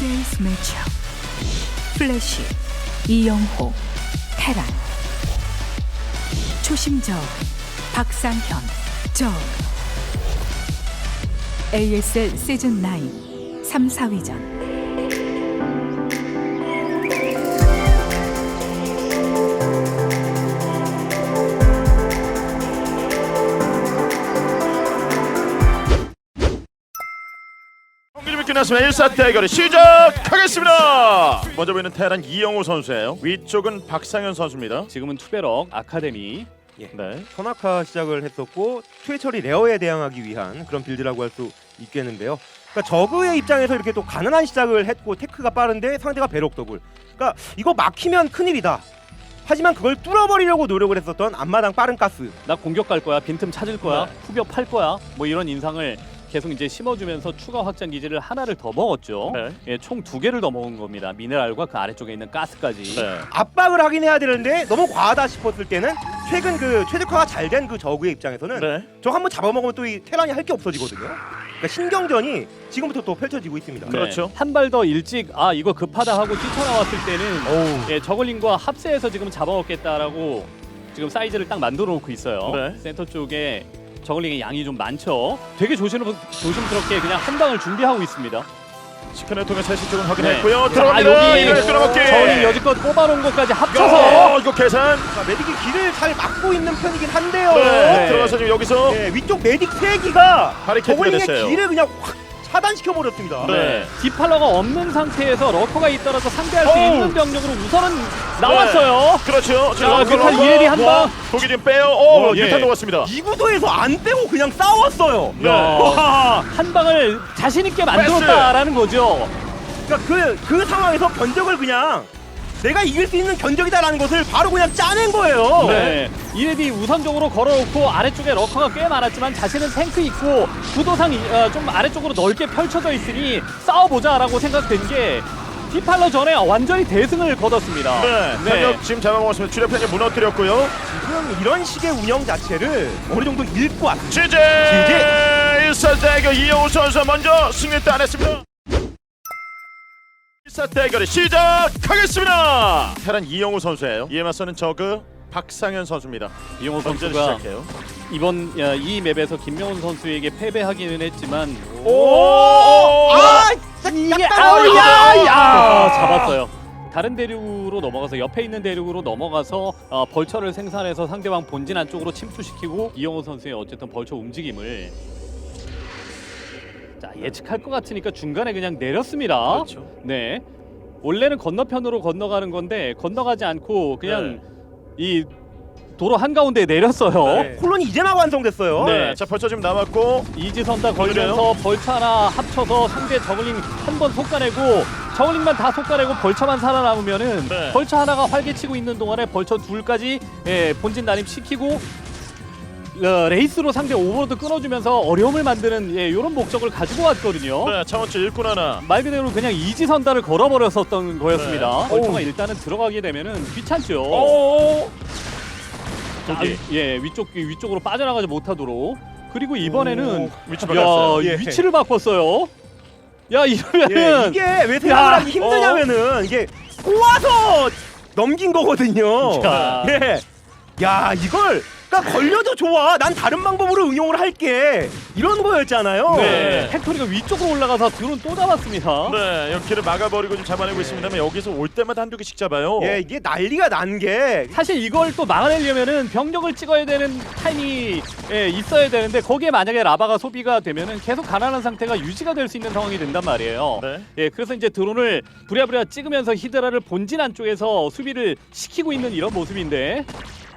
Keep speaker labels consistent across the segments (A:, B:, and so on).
A: Today's Matchup. 플래시, 이영호, 테란. 초심적, 박상현, 적. ASL 시즌9 3, 4위전.
B: 끝났습니다. 1사 대결이 시작하겠습니다. 먼저 보이는 테란 이영호 선수예요. 위쪽은 박상현 선수입니다.
C: 지금은 투베럭 아카데미.
D: 예.
B: 네.
D: 선악화 시작을 했었고 최철이 레어에 대항하기 위한 그런 빌드라고 할 수 있겠는데요. 그러니까 저그의 입장에서 이렇게 또 가난한 시작을 했고 테크가 빠른데 상대가 배럭 더블. 그러니까 이거 막히면 큰일이다. 하지만 그걸 뚫어버리려고 노력을 했었던 앞마당 빠른 가스.
C: 나 공격 갈 거야. 빈틈 찾을 거야.
B: 네.
C: 후벼 팔 거야. 뭐 이런 인상을 계속 이제 심어주면서 추가 확장 기지를 하나를 더 먹었죠.
B: 네.
C: 예, 총 2개를 더 먹은 겁니다. 미네랄과 그 아래쪽에 있는 가스까지.
B: 네.
D: 압박을 하긴 해야 되는데 너무 과하다 싶었을 때는 최근 그 최적화가 잘 된 그 저그의 입장에서는
B: 네.
D: 저 한번 잡아먹으면 또 이 테란이 할 게 없어지거든요. 그러니까 신경전이 지금부터 또 펼쳐지고 있습니다.
C: 네.
B: 그렇죠.
C: 한 발 더 일찍 이거 급하다 하고 뛰쳐나왔을 때는
D: 어우.
C: 예, 저글링과 합세해서 지금 잡아먹겠다라고 지금 사이즈를 딱 만들어 놓고 있어요.
B: 네.
C: 센터 쪽에 저글링의 양이 좀 많죠. 되게 조심스럽게 그냥 한 방을 준비하고 있습니다.
B: 스캔을 통해 세시 쪽은 확인했고요.
C: 네.
B: 들어갑니다.
C: 여기
B: 이걸 끌어먹기.
C: 저글링 여지껏 뽑아놓은 것까지
B: 야,
C: 합쳐서
B: 이거 계산.
D: 그러니까 메딕이 길을 잘 막고 있는 편이긴 한데요.
B: 네. 들어가서 지금 여기서
D: 네, 위쪽 메딕 3기가
B: 바리케이트가
D: 저글링의
B: 됐어요.
D: 길을 그냥 확 차단시켜 버렸습니다.
B: 네.
C: 디팔러가 없는 상태에서 러커가 있더라도 상대할 수
D: 어우.
C: 있는 병력으로 우선은 나왔어요.
B: 그렇죠.
C: 자, 뮤탈 이레디 한 방.
B: 독이 지금 빼요. 오,
C: 예.
B: 유탄 녹았습니다.
D: 이 구도에서 안 빼고 그냥 싸웠어요.
B: 네.
D: 와,
C: 한 방을 자신 있게 만들었다라는 거죠.
D: 그러니까 그 상황에서 견적을 그냥 내가 이길 수 있는 견적이다라는 것을 바로 그냥 짜낸 거예요.
C: 네. 이레디 우선적으로 걸어놓고 아래쪽에 러커가 꽤 많았지만 자신은 탱크 있고 구도상 좀 아래쪽으로 넓게 펼쳐져 있으니 싸워보자라고 생각된 게 디팔러 전에 완전히 대승을 거뒀습니다.
B: 네. 편력 지금 잡아먹었습니다. 주력 편력 무너뜨렸고요.
D: 지금 이런 식의 운영 자체를 어느 정도 읽고 왔습니다.
B: 지제 1사 대결 이영호 선수 먼저 승리 따냈습니다. 1사 대결이 시작하겠습니다. 테란 이영호 선수예요. 이에 맞서는 저그 박상현 선수입니다.
C: 이용호
B: 먼저
C: 선수가
B: 시작해요.
C: 이번 이 맵에서 김명훈 선수에게 패배하기는 했지만 이게 아우야 잡았어요. 다른 대륙으로 넘어가서 옆에 있는 대륙으로 넘어가서 벌처를 생산해서 상대방 본진 안쪽으로 침투시키고 이영호 선수의 어쨌든 벌처 움직임을 자 예측할 것 같으니까 중간에 그냥 내렸습니다.
B: 그렇죠.
C: 네, 원래는 건너편으로 건너가는 건데 건너가지 않고 그냥 이 도로 한가운데에 내렸어요.
B: 네.
D: 콜론이 이제 막 완성됐어요.
C: 네.
B: 자, 벌써 지금 남았고
C: 이지선 다 걸면서 벌처 하나 합쳐서 상대 저글링 한 번 솎아내고 저글링만 다 솎아내고 벌처만 살아남으면은
B: 네.
C: 벌처 하나가 활개치고 있는 동안에 벌처 둘까지 본진 난입시키고 레이스로 상대 오버로드 끊어주면서 어려움을 만드는 이런 목적을 가지고 왔거든요.
B: 네, 차원치 일꾼 하나.
C: 말 그대로 그냥 이지선다를 걸어버렸었던 거였습니다.
B: 네.
C: 벌처가 일단은 들어가게 되면은 귀찮죠.
B: 오.
C: 저기 위쪽으로 빠져나가지 못하도록. 그리고 이번에는
B: 위치 바꿨어요.
D: 예.
C: 위치를 바꿨어요. 야
D: 예,
C: 이러면은
D: 이게 왜 생각을 하기 힘드냐면은 이게 꼬아서 넘긴 거거든요.
C: 야.
D: 예. 야, 이걸 그러니까 걸려도 좋아. 난 다른 방법으로 응용을 할게. 이런 거였잖아요.
B: 네.
C: 팩토리가 위쪽으로 올라가서 드론 또 잡았습니다.
B: 네, 여기를 막아버리고 좀 잡아내고 있습니다만 여기서 올 때마다 한두 개씩 잡아요.
D: 예, 이게 난리가 난 게
C: 사실 이걸 또 막아내려면은 병력을 찍어야 되는 타임이 있어야 되는데 거기에 만약에 라바가 소비가 되면은 계속 가난한 상태가 유지가 될 수 있는 상황이 된단 말이에요.
B: 네.
C: 예, 그래서 이제 드론을 부랴부랴 찍으면서 히드라를 본진 안쪽에서 수비를 시키고 있는 이런 모습인데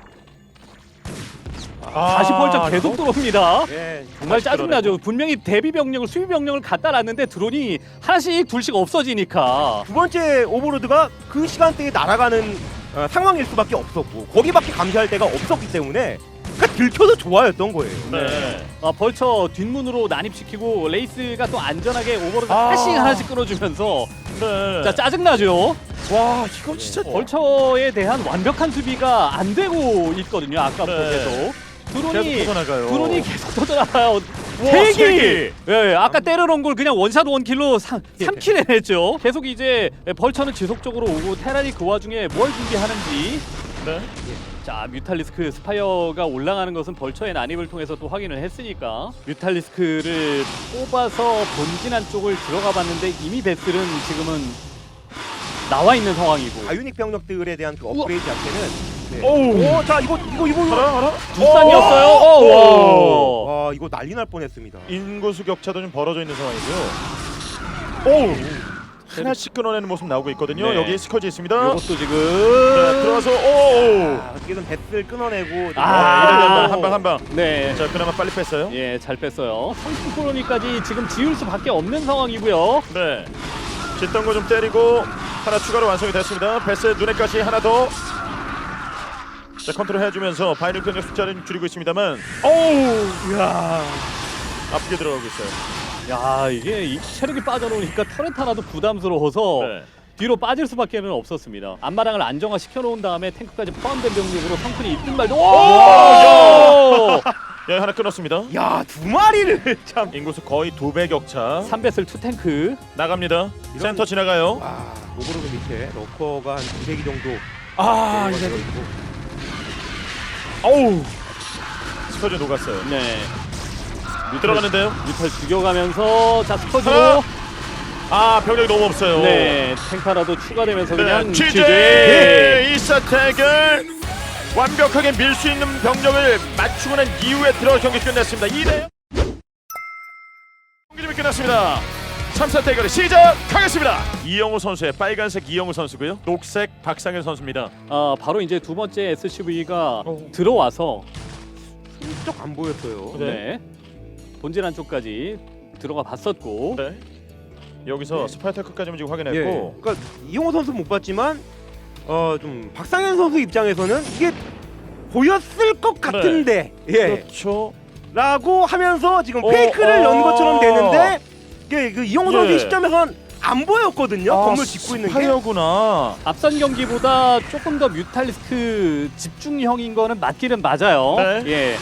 C: 다시 벌써 계속 들어옵니다.
D: 예,
C: 정말
B: 다시
C: 짜증나죠. 분명히 대비 병력을 수비 병력을 갖다 놨는데 드론이 하나씩 둘씩 없어지니까.
D: 두 번째 오버로드가 그 시간대에 날아가는 상황일 수밖에 없었고 거기밖에 감시할 데가 없었기 때문에 그러니까 들켜도 좋아였던 거예요.
B: 네.
C: 벌처 뒷문으로 난입시키고 레이스가 또 안전하게 오버로드 하나씩 끊어주면서
B: 네.
C: 자 짜증나죠.
B: 와, 이거 진짜
C: 벌처에 대한 완벽한 수비가 안 되고 있거든요. 아까부터
B: 네.
C: 계속
B: 계속 터져나가요.
C: 드론이 계속 터져나가요.
B: 세
C: 개!
B: 개!
C: 예, 아까 때려놓은 걸 그냥 원샷 원킬로 3킬 해냈죠. 계속 이제 벌처는 지속적으로 오고 테란이 그 와중에 뭘 준비하는지.
B: 네.
C: 자, 뮤탈리스크 스파이어가 올라가는 것은 벌처의 난입을 통해서 또 확인을 했으니까 뮤탈리스크를 뽑아서 본진 안쪽을 들어가 봤는데 이미 베슬은 지금은 나와 있는 상황이고
D: 아유닉 병력들에 대한 그 업그레이드 자체는 네.
B: 오우.
D: 자 이거
B: 하나.
C: 두산이었어요.
B: 오.
D: 와 이거 난리 날 뻔했습니다.
B: 인구수 격차도 좀 벌어져 있는 상황이고요. 오. 하나씩 끊어내는 모습 나오고 있거든요.
C: 네.
B: 여기 스커지 있습니다.
C: 이것도 지금
B: 네, 들어와서 오.
D: 어떻게든 배스를 끊어내고
C: 아.
B: 한 방.
C: 네.
B: 자, 그나마 빨리 뺐어요.
C: 예, 잘 뺐어요. 성공 콜로니까지 지금 지을 수밖에 없는 상황이고요.
B: 네. 짓던 거 좀 때리고 하나 추가로 완성이 됐습니다. 베스 눈에까지 하나 더. 자, 컨트롤 해주면서 바이럴 병력 숫자를 줄이고 있습니다만, 오우,
D: 이야.
B: 아프게 들어가고 있어요.
C: 야, 이게 이 체력이 빠져놓으니까 터렛 하나도 부담스러워서
B: 네.
C: 뒤로 빠질 수밖에는 없었습니다. 앞마당을 안정화 시켜놓은 다음에 탱크까지 포함된 병력으로 성큰이 있든 말든. 오!
B: 야, 하나 끊었습니다.
D: 야, 두 마리를 참.
B: 인구수 거의 2배 격차
C: 3배슬 2탱크.
B: 나갑니다. 센터 지나가요.
D: 와, 오버로드 밑에 러커가 한 200이 정도.
B: 아,
D: 이제
B: 이제 어우, 스커지 녹았어요.
C: 네.
B: 들어가는데요.
C: 뮤탈 죽여가면서 자 스커지로.
B: 하나. 아, 병력이 너무 없어요.
C: 네, 탱크 하나도 추가되면서 그냥
B: 취재 2사 태결 완벽하게 밀 수 있는 병력을 맞추고 난 이후에 들어가 경기 끝냈습니다. 2대 경기 끝났습니다. 3사 대결이 시작하겠습니다. 이영호 선수의 빨간색 이영호 선수고요. 녹색 박상현 선수입니다.
C: 바로 이제 두 번째 SCV가 들어와서
D: 훌쩍 안 보였어요.
C: 네. 본진 안쪽까지 들어가 봤었고.
B: 네. 여기서
D: 네.
B: 스파이터크까지 지금
D: 예.
B: 확인했고
D: 그러니까 이용호 선수 못 봤지만 좀 박상현 선수 입장에서는 이게 보였을 것 같은데 예.
B: 그렇죠.
D: 라고 하면서 지금 페이크를 연 것처럼 되는데 이게 그 이용호 선수
B: 예.
D: 시점에선 안 보였거든요. 건물 짓고 있는 게.
B: 스파이어구나.
C: 앞선 경기보다 조금 더 뮤탈리스크 집중형인 거는 맞기는 맞아요.
B: 네.
C: 예.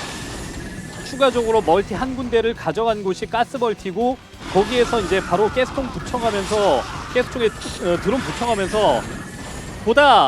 C: 추가적으로 멀티 한 군데를 가져간 곳이 가스벌티고 거기에서 이제 바로 가스통 붙여가면서 가스 쪽에 드론 붙여가면서 보다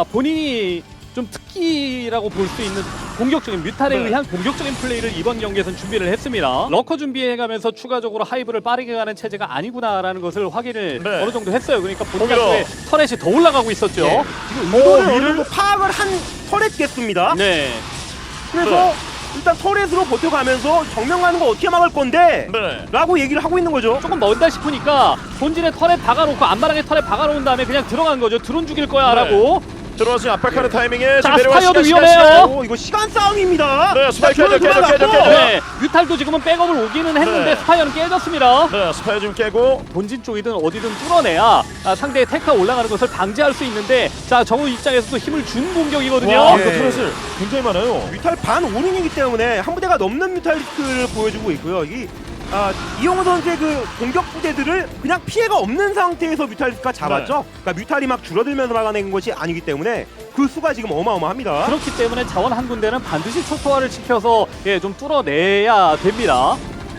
C: 본인이 좀 특기라고 볼 수 있는 공격적인 뮤탈에
B: 네.
C: 의한 공격적인 플레이를 이번 경기에선 준비를 했습니다. 러커 준비해가면서 추가적으로 하이브를 빠르게 가는 체제가 아니구나라는 것을 확인을
B: 네.
C: 어느 정도 했어요. 그러니까 본인
B: 거기다.
C: 앞에 터렛이 더 올라가고 있었죠.
D: 예. 지금 의도를 어느
B: 위를?
D: 정도 파악을 한 터렛겠습니다.
C: 네.
D: 그래서 일단 터렛으로 버텨가면서 정면 가는 거 어떻게 막을 건데?
B: 네.
D: 라고 얘기를 하고 있는 거죠.
C: 조금 멀다 싶으니까 본진에 터렛 박아놓고 앞마당에 터렛 박아놓은 다음에 그냥 들어간 거죠. 드론 죽일 거야 라고.
B: 들어와서 압박하는 타이밍에
C: 자,
B: 지금 내려와
C: 스파이어도
B: 시간,
C: 위험해요.
D: 오, 이거 시간 싸움입니다.
B: 네, 스파이크
D: 자,
B: 깨져,
D: 들어갔고.
B: 깨져.
C: 네. 뮤탈도 지금은 백업을 오기는 했는데
B: 네.
C: 스파이어는 깨졌습니다.
B: 네, 스파이어 좀 깨고
C: 본진 쪽이든 어디든 뚫어내야 상대의 테크가 올라가는 것을 방지할 수 있는데 자 정우 입장에서도 힘을 준 공격이거든요.
B: 와,
D: 예.
B: 이거 트레슬 굉장히 많아요.
D: 뮤탈 반 올인이기 때문에 한 부대가 넘는 뮤탈리스크를 보여주고 있고요. 이용호 선수의 그 공격 부대들을 그냥 피해가 없는 상태에서 뮤탈리스크가 잡았죠. 그러니까 뮤탈이 막 줄어들면서 막아내는 것이 아니기 때문에 그 수가 지금 어마어마합니다.
C: 그렇기 때문에 자원 한 군데는 반드시 초토화를 시켜서 좀 뚫어내야 됩니다.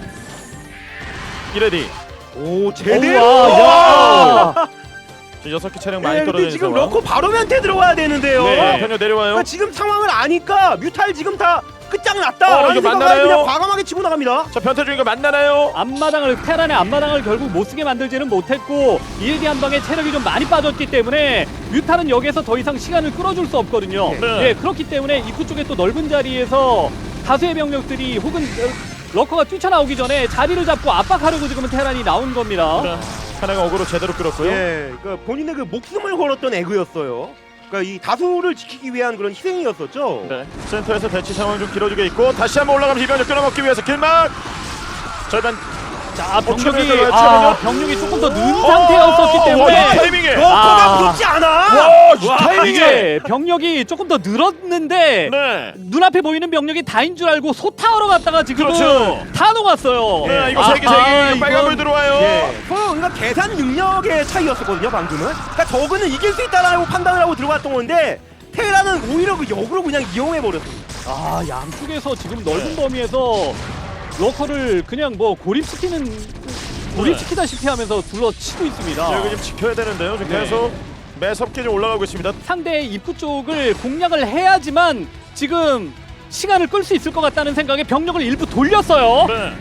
B: 이레디.
D: 오, 제대로!
C: 우와, 야.
B: 6개 차량 많이
D: 네, 근데
B: 떨어지는
D: 지금
B: 상황.
D: 러커 바로 멘트 들어와야 되는데요.
C: 네.
B: 편력 내려와요.
D: 그러니까 지금 상황을 아니까 뮤탈 지금 다 끝장났다.
B: 이거 맞나요?
D: 그냥 과감하게 치고 나갑니다.
B: 자, 변태 중인 거 만나나요?
C: 테란의 앞마당을 결국 못쓰게 만들지는 못했고 일기 한 방에 체력이 좀 많이 빠졌기 때문에 뮤탈은 여기에서 더 이상 시간을 끌어줄 수 없거든요.
B: 네.
C: 예, 그렇기 때문에 입구 쪽에 또 넓은 자리에서 다수의 병력들이 혹은 러커가 뛰쳐나오기 전에 자리를 잡고 압박하려고 지금은 테란이 나온 겁니다.
B: 네. 하나가 어그로 제대로 끌었고요.
D: 예, 그러니까 본인의 그 목숨을 걸었던 에그였어요. 그러니까 이 다수를 지키기 위한 그런 희생이었었죠.
B: 네. 센터에서 대치 상황 좀 길어지고 있고 다시 한번 올라가면서 이병력 끊어먹기 위해서 길막 절반.
C: 자,
B: 최면요?
C: 병력이 조금 더 는 상태였었기
B: 이
C: 때문에
B: 타이밍에.
D: 러커가 붙지 않아.
B: 와, 이 타이밍에.
C: 이게 병력이 조금 더 늘었는데
B: 네.
C: 눈앞에 보이는 병력이 다인 줄 알고 소타하러 갔다가 지금
B: 그렇죠.
C: 다 녹았어요.
B: 네, 이거 세 개 빨간 불 들어와요.
D: 예. 그러니까 계산 능력의 차이였었거든요, 방금은. 그러니까 저그는 이길 수 있다라고 판단을 하고 들어갔던 건데 테라는 오히려 그 역으로 그냥 이용해 버렸습니다.
C: 양쪽에서 지금 넓은 범위에서 러커를 그냥 뭐 고립시키다시피 하면서 둘러치고 있습니다.
B: 여기 좀 지켜야 되는데요. 지금
C: 네.
B: 계속 매섭게 좀 올라가고 있습니다.
C: 상대의 입구 쪽을 공략을 해야지만 지금 시간을 끌 수 있을 것 같다는 생각에 병력을 일부 돌렸어요.
B: 네.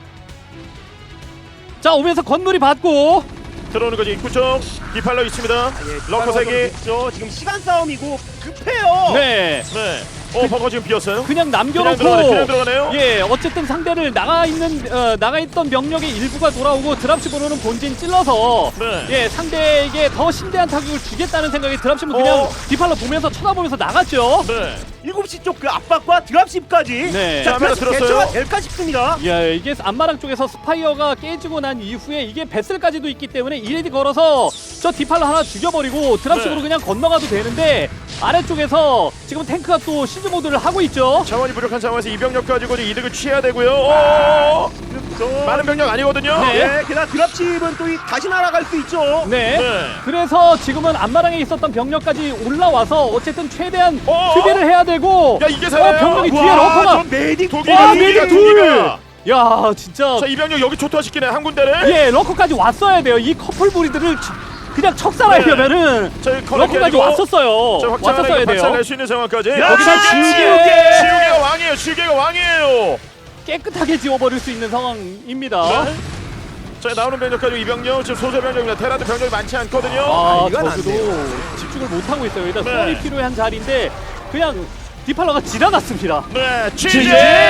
C: 자, 오면서 건물이 받고
B: 들어오는 거지. 입구 쪽 디팔러 있습니다. 러커 세기.
D: 있죠. 지금 시간 싸움이고 급해요.
C: 네,
B: 네. 버거 지금 비었어요.
C: 그냥 남겨놓고
B: 그냥 들어가네요.
C: 예, 어쨌든 상대를 나가 있던 병력의 일부가 돌아오고 드랍십으로는 본진 찔러서
B: 네.
C: 예, 상대에게 더 심대한 타격을 주겠다는 생각에 드랍십은 그냥 디팔로 보면서 쳐다보면서 나갔죠.
B: 네.
D: 7시 쪽 그 압박과 드랍십까지
C: 네.
B: 자, 하나 들었어요.
D: 대처가 될까 싶습니다.
C: 예, 이게 안마랑 쪽에서 스파이어가 깨지고 난 이후에 이게 베슬까지도 있기 때문에 이레디 걸어서 저 디팔로 하나 죽여버리고 드랍식으로
B: 네.
C: 그냥 건너가도 되는데 아래쪽에서 지금 탱크가 또 시즈 모드를 하고 있죠.
B: 자원이 부족한 상황에서 이병력 가지고 이제 이득을 취해야 되고요. 많은 병력 아니거든요.
C: 네.
D: 네, 게다가 드랍십은 또 다시 날아갈 수 있죠.
C: 네.
B: 네.
C: 그래서 지금은 안마랑에 있었던 병력까지 올라와서 어쨌든 최대한
B: 어?
C: 수비를 해야 되고
B: 야, 이게 살아요?
C: 병력이 뒤에
D: 와,
C: 러커가
D: 저 메딕
B: 독이가
C: 메딕 둘! 야, 진짜
B: 자, 이병력 여기 초토화시키네 한 군데를.
C: 예, 러커까지 왔어야 돼요. 이 커플 브리드를 그냥 척살하려면은
B: 자,
C: 러커까지 왔었어요.
B: 자,
C: 왔었어야
B: 확장을
C: 돼요.
B: 박살낼 수 있는 상황까지.
D: 야,
C: 거기다
B: 지우개가 왕이에요. 지우개가 왕이에요.
C: 깨끗하게 지워버릴 수 있는 상황입니다.
B: 네. 자, 나오는 병력까지 이병력 지금 소수 병력입니다. 테라도 병력이 많지 않거든요.
C: 아,
D: 이건 안
C: 저그도 집중을 못하고 있어요. 일단
B: 네.
C: 수월이 필요한 자리인데 그냥 디팔러가 지나갔습니다.
B: 네,
C: GG!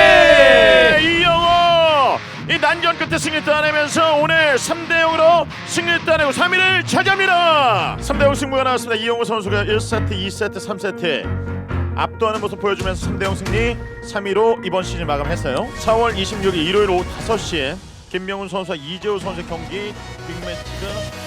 B: 이영호 이 난전 끝에 승리 따내면서 오늘 3대0으로 승리 따내고 3위를 차지합니다. 3대0 승부가 나왔습니다. 이영호 선수가 1세트, 2세트, 3세트 압도하는 모습 보여주면서 3대0 승리 3위로 이번 시즌 마감했어요. 4월 26일 일요일 오후 5시에 김명훈 선수와 이재호 선수의 경기 빅매치가